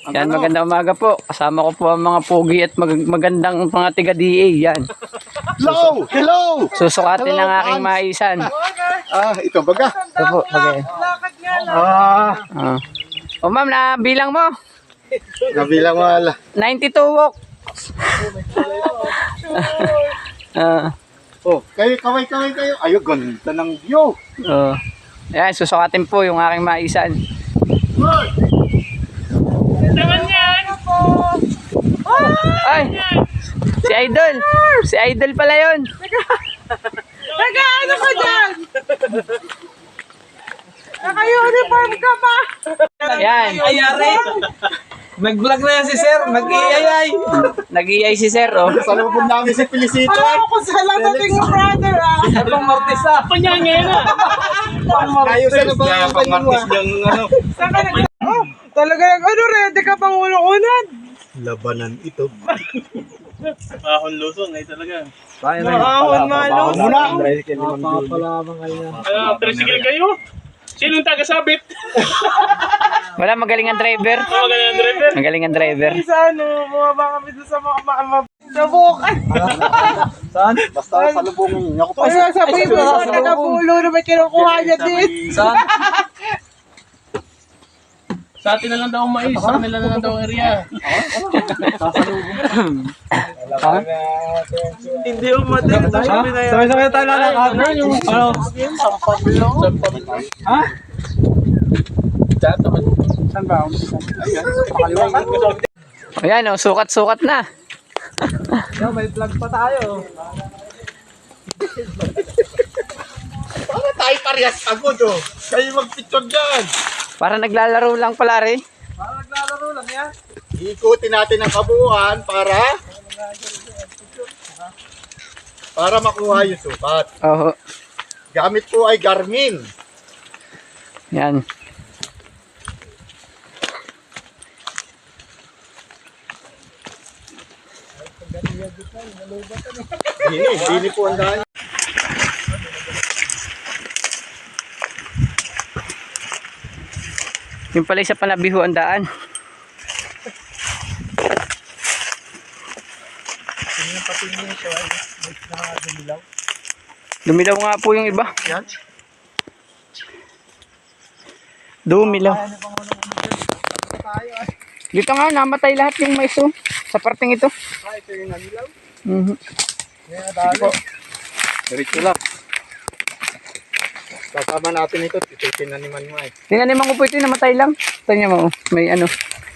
Yan, magandang umaga po. Kasama ko po ang mga pogi at magandang mga tiga-DA. Yan. Hello! Hello! Susukatin Hello, ng aking Hans. maisan. Ito baga. Ito po, okay. O ma'am, nabilang mo. Nabilang wala. 92 walk. Kayo, kaway kayo. Ayo, ganda ng view. Yan, susukatin po yung aking maisan. Ay! Si Idol! Si Idol pala yun! Nag-ano ka dyan? Naka-uniform ka pa! Yan! Ayari! Nag-vlog na yan si Sir, nag-iayay. Nag-iay si Sir, oh. Salubog namin si Felicito. Alam ko sa dating mo, brother, ah! Pang Martesa. Panyangin na. Ayos na ba ang pangmartis yung ano? Saan ka nag- Oh, talaga ano, ready ka pang unang-unad? Labanan ito. Ahon lusong, ay talaga. Maahon malo. Muna. Tricycle kayo? Sinong taga-sabit? Wala, magaling ang driver. Magaling ang driver. Magaling ang driver. Sa ano, bumaba kami doon sa mga sa bukan. Basta salubungin niyo ako pa. Kaya sabihin mo sa taga-pulo na may kinukuha niya din. Sa atin na lang daw ang mais, sa kanila na lang daw ang area. Hindi umatin. Sabay-sabay tayo lalakad. Ano? Ha? Saan ba? Ayan, oh, sukat-sukat na. May vlog pa tayo. Para tayo parehas pagod oh. Kayo magpicture dyan. Para naglalaro lang pala rin. Parang naglalaro lang yan. Ikutin natin ang kabuuan para makuha yung sukat. Oo. Gamit po ay Garmin. Yan. Dini po ang daan. Yung pala isa panabiho ang daan. Dumilaw nga po yung iba. Yan. Dumilaw. Dito nga, namatay lahat yung mais oh, sa parting ito. Ito yung nanilaw. Sige po. Diretso lang. Kasama natin ito. Ito yung tinaniman mo eh. Tinaniman ko po ito, namatay lang. Ito niya mo, may ano.